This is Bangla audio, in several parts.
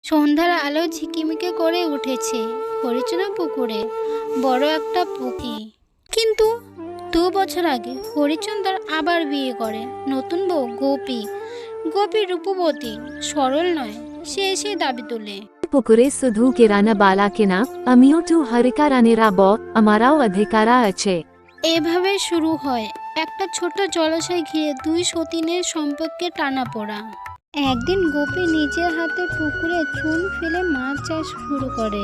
সন্ধ্যার আলো ঝিকিমিকি করে উঠেছে হরিচরণ পুকুরে। বড় একটা পুকি। কিন্তু 2 বছর আগে হরিচন্দর আবার বিয়ে করে নতুন বউ গোপী। গোপী রূপবতী, সরল নয়, সে এসে দাবি তোলে। পুকুরে শুধু কিরানা বালা কিনা, আমিও তো হরিকারানেরা আমারাও অধিকারা আছে। এভাবে শুরু হয় একটা ছোট জলাশয় ঘিরে দুই সতীনের সম্পর্কে টানাপোড়া। একদিন গোপী নিজের হাতে পুকুরে চুন ফেলে মাছ চাষ শুরু করে।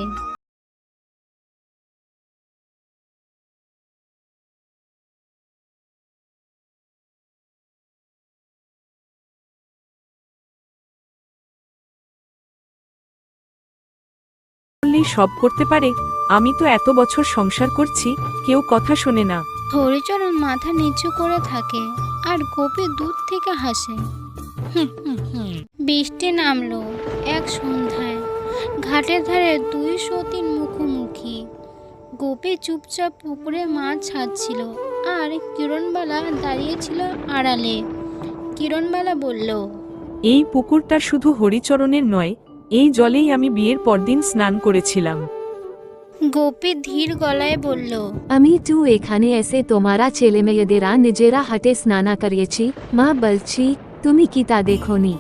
বললেই সব করতে পারে? আমি তো এত বছর সংসার করছি, কেউ কথা শোনে না। হরিচরণ মাথা নিচু করে থাকে আর গোপী দূর থেকে হাসে। বৃষ্টি নামলো এক সন্ধ্যায়। ঘাটের ধারে দুই সতীন মুখোমুখি। গোপী চুপচাপ পুকুরে মাছ ছাড়ছিল আর কিরণবালা দাঁড়িয়েছিল আড়ালে। কিরণবালা বলল, এই পুকুরটা শুধু হরিচরণের নয়, এই জলেই আমি বিয়ের পরদিন স্নান করেছিলাম। গোপী ধীর গলায় বলল, আমি তো এখানে এসে তোমারা ছেলে মেয়েদেরা নিজেরা হাটে স্নানা করিয়েছি। মা বলছি, তুমি কি তা দেখোনি?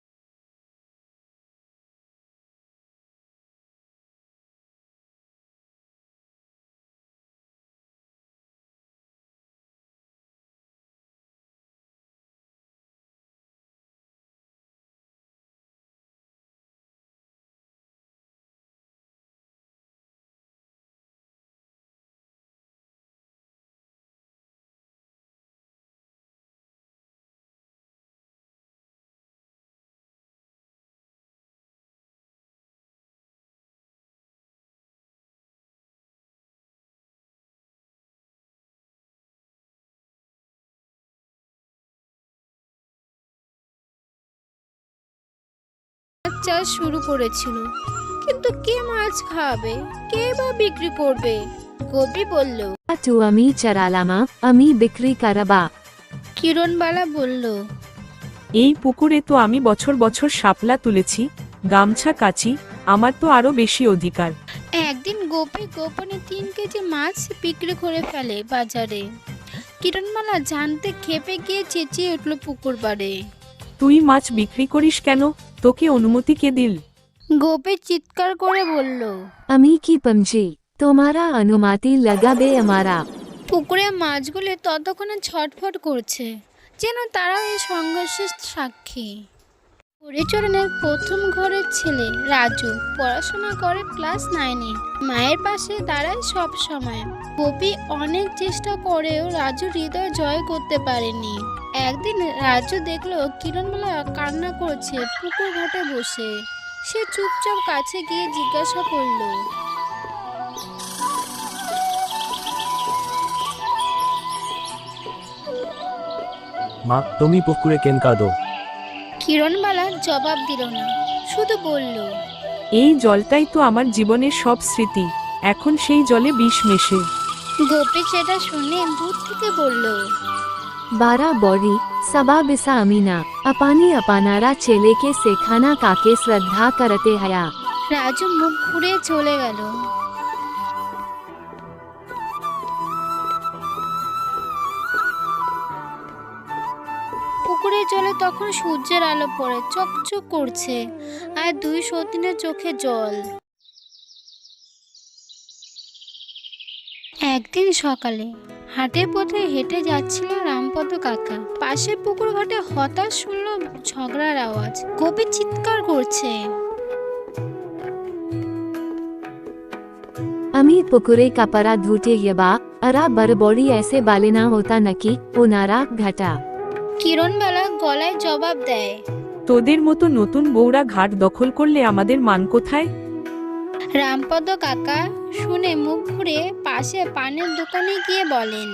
মাছ চাষ শুরু করেছিল, কিন্তু কে মাছ খাবে, কে বা বিক্রি করবে? গোপী বলল। তো আমি চরালামা, আমি বিক্রি করবা। কিরণবালা বলল, এই পুকুরে তো আমি বছর বছর শাপলা তুলেছি, গামছা কাচি, আমার তো আরো বেশি অধিকার। একদিন গোপী গোপনে 3 কেজি মাছ বিক্রি করে ফেলে বাজারে। কিরণমালা জানতে খেপে গিয়ে চেঁচিয়ে উঠল পুকুর পাড়ে। তুই মাছ বিক্রি করিস কেন? তোকে অনুমতি কে দিল? গোপী চিৎকার করে বলল, আমি কি পমজি, তোমারা অনুমতি লাগাবে আমারা? পুকুরে মাছগুলি ততক্ষণে ছটফট করছে, যেন তারাও এই সংঘর্ষের সাক্ষী। হরিচরণের প্রথম ঘরের ছেলে রাজু পড়াশোনা করে ক্লাস 9-এ। মায়ের পাশে দাঁড়ায় সব সময়। গোপী অনেক চেষ্টা করেও রাজু হৃদয় জয় করতে পারেনি। একদিন রাজু দেখলো কিরণমালা কান্না করছে পুকুর ঘাটে বসে। সে চুপচাপ কাছে গিয়ে জিজ্ঞাসা করলো, মা, তুমি পুকুরে কেন কাঁদো? কিরণমালা জবাব দিল না, শুধু বলল, এই জলটাই তো আমার জীবনের সব স্মৃতি, এখন সেই জলে বিষ মেশে। গোপী সেটা শুনে দূর থেকে বলল, बारा बौरी सबा बिसा अमीना, अपानी अपानारा चेले के सेखाना काके श्रद्धा करते हया। রাজু মুখ ঘুরে চলে গেল। পুকুরের জলে তখন সূর্যের আলো পড়ে চকচক করছে, আর দুই সতীনের চোখে জল। একদিন সকালে হাটের পথে হেঁটে যাচ্ছিল রামপদ কাকা। পাশে পুকুর ঘাটে হঠাৎ শুনল ঝগড়ার আওয়াজ। গোপী চিৎকার করছে, अमी पुकुरे का परा धूटे यबा, अरा बरबौड़ी ऐसे बालेना होता नकी, ओ नारा घटा। কিরণবালা গলায় জবাব দেয়, তোদের মতো নতুন বউরা ঘাট দখল করলে আমাদের মান কোথায়? রামপদ কাকা শুনে মুখ ঘুরে পাশে পানের দোকানে গিয়ে বলেন,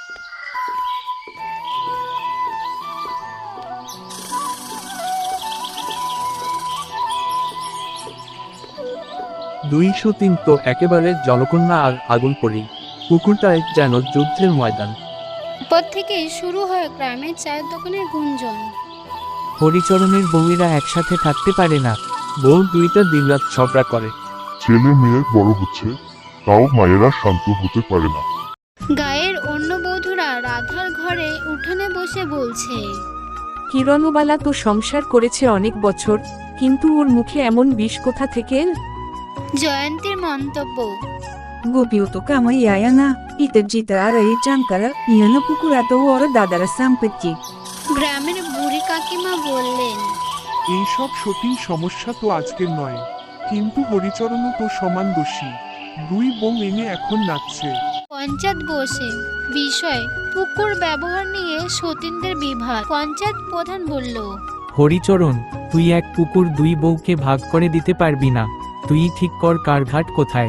দুইশো তিন তো একেবারে জলকন্যা আর আগুন পড়ি। পুকুরটায় যেন যুদ্ধের ময়দান। পর থেকে শুরু হয় গ্রামের চায়ের দোকানের গুঞ্জন। হরিচরণের বউয়েরা একসাথে থাকতে পারে না। বউ দুইটা দিনরাত ঝগড়া করে। ছেলে মেয়ে বড় হচ্ছে, তাও মায়েরা শান্ত হতে পারে না। গায়ের অন্য বধূরা রাধার ঘরে উঠানে বসে বলছে, কিরণবালা তো সংসার করেছে অনেক বছর, কিন্তু ওর মুখে এমন বিষ কোথা থেকে এল? জয়ন্তীর মন্তব্য, Gopiu to kama yayana, ita jita ara e chankara, yana pukurato ora dadara sampatti. গ্রামের বুড়ি কাকিমা বললেন, এইসব সতীন সমস্যা তো আজকের নয়, কিন্তু হরিচরণও তো সমান দোষী। দুই বউ এনে এখন নাচছে। পঞ্চায়েত বসে বিষয় পুকুর ব্যবহার নিয়ে সতীনদের বিভাগ। পঞ্চায়েত প্রধান বলল, হরিচরণ, তুই এক পুকুর দুই বউকে ভাগ করে দিতে পারবি না। তুই ঠিক কর কার ঘাট কোথায়।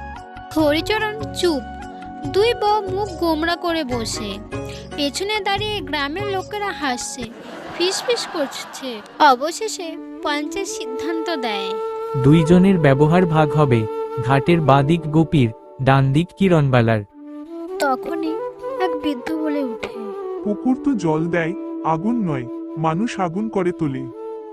হরিচরণ চুপ। দুই বউ মুখ গোমড়া করে বসে। পেছনে দাঁড়িয়ে গ্রামের লোকেরা হাসছে, ফিসফিস করছে। অবশেষে পঞ্চায়েত সিদ্ধান্ত দেয়, দুইজনের ব্যবহার ভাগ হবে। ঘাটের বাঁ দিক গোপীর, ডান দিক কিরণবালার। তখনই এক বৃদ্ধ বলে উঠে, পুকুর তো জল দেয়, আগুন নয়। মানুষ আগুন করে তোলে।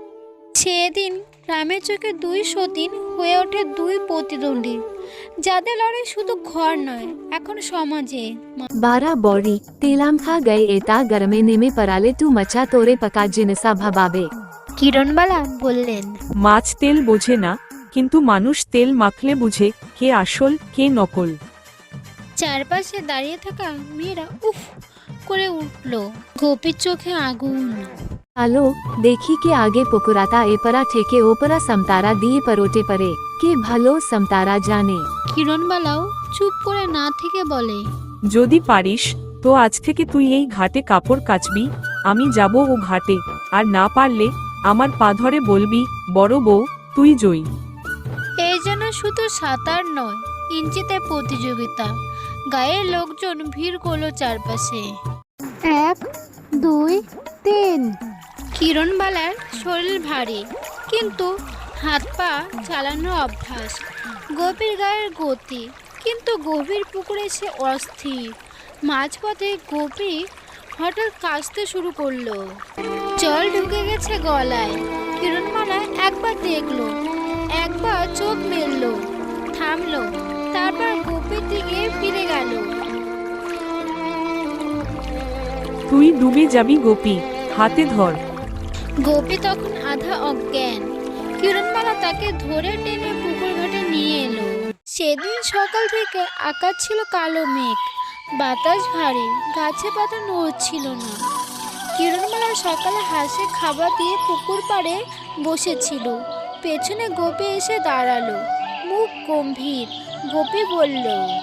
সেদিন গ্রামের চোখে দুই সতীন হয়ে ওঠে দুই প্রতিদ্বন্দ্বী, যাদের লড়াই শুধু ঘর নয়, এখন সমাজে। 12 बौरी तेलाम खा गए एता गरमे में पराले तू मचा तोरे पका जिनसा भबाबे। কিরণবালা বললেন, মাছ তেল বোঝে না, কিন্তু মানুষ তেল মাখলে বুঝে কে আসল কে নকল। চারপাশে দাঁড়িয়ে থাকা মেয়েরা উফ করে উঠল। গোপীর চোখে আগুন। आलो देखी के आगे पुकुराता एपरा ठेके ओपरा समतारा दिए परोटे परे के भलो समतारा जाने। কিরণবালাও চুপ করে না থেকে বলে, যদি পারিস তো আজ থেকে তুই এই ঘাটে কাপড় কাচবি, আমি যাব ও ঘাটে। আর না পারলে আমার পা ধরে বলবি, বড় বউ তুই জয়ী। এই যেন শুধু সাঁতার নয়, ইঞ্চিতে প্রতিযোগিতা। গায়ের লোকজন ভিড় করলো চারপাশে। 1 2 3। কিরণবালার শরীর ভারী, কিন্তু হাত পা চালানোর অভ্যাস। গভীর গায়ের গতি, কিন্তু গভীর পুকুরে সে অস্থির। মাঝপথে গোপী হঠাৎ কাশতে শুরু করলো। জল ঢুকে গেছে গলায়। কিরণবালা একবার দেখলো, একবার চোখ মেললো, থামলো, তারপর গোপীর দিকে ফিরে গেল। তুই ডুবে যাবি গোপী, হাতে ধর। গোপী তখন আধা অজ্ঞান। কিরণবালা তাকে ধরে টেনে পুকুর ঘাটে নিয়ে এলো। সেদিন সকাল থেকে আকাশ ছিল কালো মেঘ, বাতাস ভারী, গাছে পাতা নড়ছিল না। কিরণবালা সকালে হাসে খাবার দিয়ে পুকুর পাড়ে বসেছিল। পেছনে গোপী এসে দাঁড়ালো, মুখ গম্ভীর। গোপী বলল,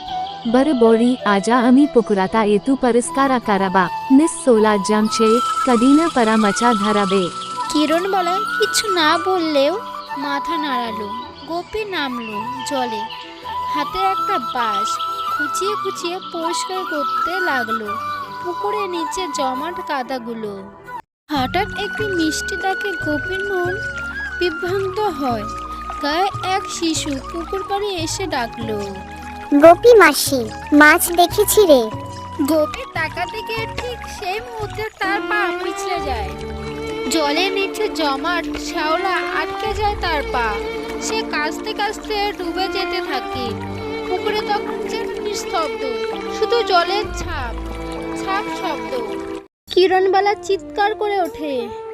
बर बौरी आजा अमी पुकुराता एतु परिस्कारा कराबा निस 16 जमछे कदीना परा मचा धराबे। কিরণবালা কিছু না বললেও মাথা নাড়ালো। গোপী নামলো জলে, হাতে একটা বাঁশ খুঁচিয়ে খুঁচিয়ে পরিষ্কার করতে লাগলো পুকুরের নিচে জমাট কাদাগুলো। হঠাৎ একটি মিষ্টি ডাকে গোপীর মন বিভ্রান্ত হয়। গায়ে এক শিশু পুকুর পাড়ে এসে ডাকলো, গোপী মাসি, মাছ দেখেছি রে। গোপী তাকাতে গিয়ে ঠিক সেই মুহূর্তে তার পা পিছলে যায়। জলের নিচে জমাট শ্যাওলা আটকে যায় তার পা। সে কাঁচতে কাঁচতে ডুবে যেতে থাকে। পুকুরে তখন যেন নিস্তব্ধ, শুধু জলের ছাপ ছাপ শব্দ। কিরণবালা চিৎকার করে ওঠে।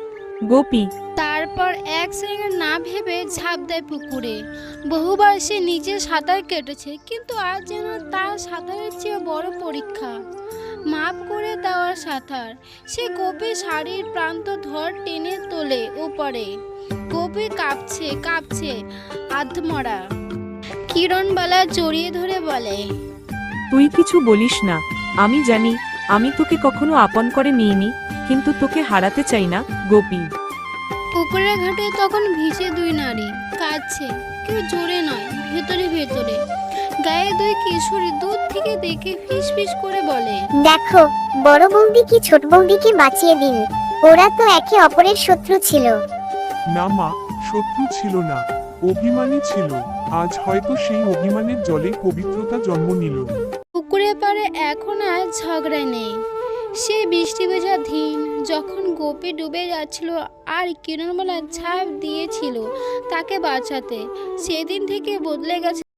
গোপী, তারপর এক সেকেন্ড না ভেবে ঝাঁপ দেয় পুকুরে। বহুবার সে নিজে সাঁতার কেটেছে, কিন্তু আজ যেন তার সাঁতারের চেয়ে বড় পরীক্ষা, মাপ করে দেওয়ার সাঁতার। সে গোপীর শাড়ির প্রান্ত ধর টেনে তোলে উপরে। গোপী কাঁপছে কাঁপছে আধমরা। কিরণবালা জড়িয়ে ধরে বলে, তুই কিছু বলিস না। আমি জানি আমি তোকে কখনো আপন করে নিইনি, কিন্তু তোকে হারাতে চাই না গোপী। পুকুরের ঘাটে তখন ভিজে দুই নারী কাঁদছে, কেউ জোরে নয়, ভেতরে ভেতরে। গায়ে দুই কিশোরী দূর থেকে দেখে ফিস ফিস করে বলে, দেখো, বড় বৌদি কি ছোট বৌদিকে বাঁচিয়ে দিন। ওরা তো একে অপরের শত্রু ছিল। না মা, শত্রু ছিল না, অভিমানী ছিল। আজ হয়তো সেই অভিমানের জলে পবিত্রতা জন্ম নিল। পুকুরের পাড়ে এখন আর ঝগড়া নেই, সেই বৃষ্টি ভেজা দিন যখন গোপী ডুবে যাচ্ছিল আর কিরণমালা ঝাঁপ দিয়েছিল তাকে বাঁচাতে, সেদিন থেকে বদলে গেছে